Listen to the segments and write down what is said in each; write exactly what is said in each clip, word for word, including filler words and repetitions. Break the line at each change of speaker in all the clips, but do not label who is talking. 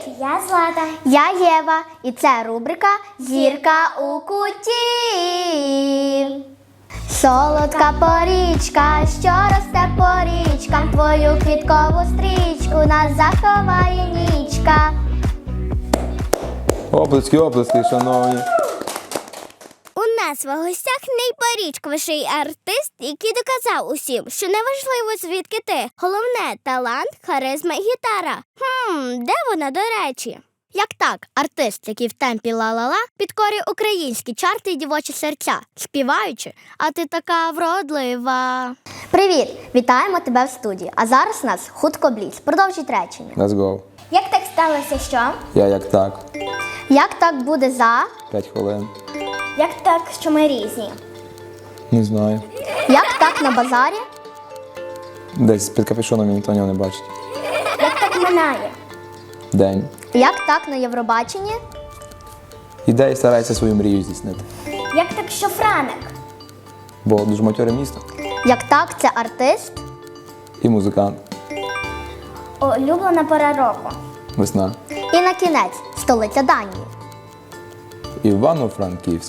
Я Злата.
Я Єва, і це рубрика «Зірка у куті». Солодка порічка, що росте по річкам, твою квіткову стрічку нас заховає нічка.
Оплески, оплески, шановні.
У нас в гостях найпорічковіший артист, який доказав усім, що неважливо звідки ти. Головне – талант, харизма і гітара. Хм, де вона, до речі?
Як так, артист, який в темпі ла-ла-ла, підкорює українські чарти і дівочі серця, співаючи, а ти така вродлива. Привіт! Вітаємо тебе в студії. А зараз у нас хутко бліц. Продовжіть речення.
Let's go.
Як так сталося, що?
Я як так.
Як так буде за?
П'ять хвилин.
Як так, що ми різні?
Не знаю.
Як так на базарі?
Десь під капюшоном ніхто нього не бачить.
Як так минає?
День.
Як так на Євробаченні?
Іде і старається свою мрію здійснити.
Як так, що Франик?
Бо дуже матьоре місто.
Як так це артист?
І музикант.
Улюблена пора року.
Весна.
І на кінець столиця Данії.
Івано-Франківськ.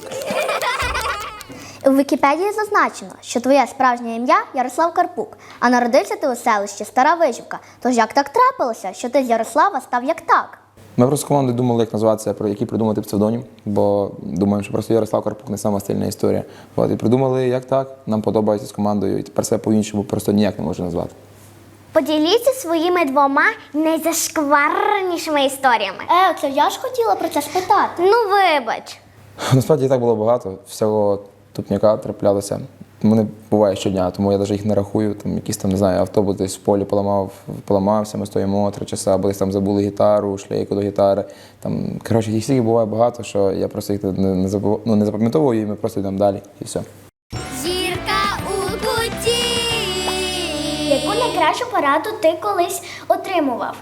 У Вікіпедії зазначено, що твоє справжнє ім'я Ярослав Карпук, а народився ти у селищі Стара Вижівка. Тож як так трапилося, що ти з Ярослава став як так?
Ми просто з командою думали, як назватися, про який придумати псевдонім, бо думаємо, що просто Ярослав Карпук не сама стильна історія. От, і придумали, як так, нам подобається з командою, і тепер себе по-іншому просто ніяк не можна назвати.
Поділіться своїми двома найзашкварнішими історіями.
Е, це я ж хотіла про це спитати.
Ну, вибач.
Насправді і так було багато, всього тупняка траплялося. Вони буває щодня, тому я навіть їх не рахую. Там якийсь там, не знаю, автобус десь в полі поламав, поламався, ми стоїмо три часа, або десь там забули гітару, шлейку до гітари. Там, коротше, їх стільки буває багато, що я просто їх не, не, забув, ну, не запам'ятовую, і ми просто йдемо далі, і все.
Зірка у куті. Яку найкращу пораду ти колись отримував?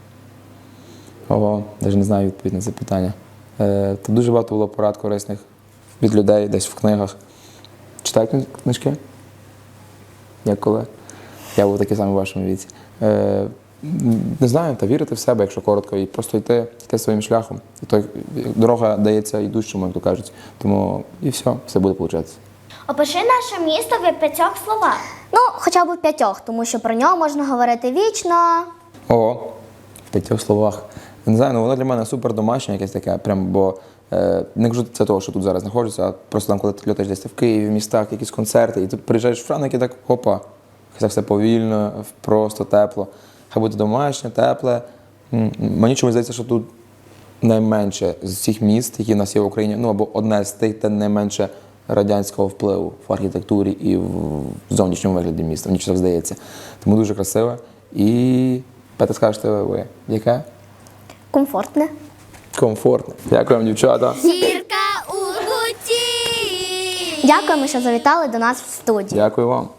Ого, навіть не знаю відповідь на це питання. Е, Тут дуже багато було порад корисних від людей, десь в книгах. Читають книжки? Як коли? Я був такий самий в вашому віці. Е, не знаю, та вірити в себе, якщо коротко, і просто йти, йти своїм шляхом. І то, дорога дається йдущому, як то кажуть. Тому і все, все буде получатися.
Опиши наше місто в п'ятьох словах.
Ну, хоча б в п'ятьох, тому що про нього можна говорити вічно.
Ого, в п'ятьох словах. Не знаю, ну воно для мене супер домашнє якесь таке, прям, бо е, не кажу це того, що тут зараз знаходжуся, а просто там, коли ти льотаєш десь в Києві, в містах, якісь концерти, і ти приїжджаєш в Франк, і так, опа, так все повільно, просто тепло. Хай буде домашнє, тепле. М, Мені чомусь здається, що тут найменше з всіх міст, які в нас є в Україні, ну або одне з тих, де найменше радянського впливу в архітектурі і в зовнішньому вигляді міста. Мені так здається. Тому дуже красиве. І, Петя, скажете ви, яке?
Комфортне.
Комфортне. Дякую вам, дівчата.
Зірка у куті.
Дякуємо, що завітали до нас в студію.
Дякую вам.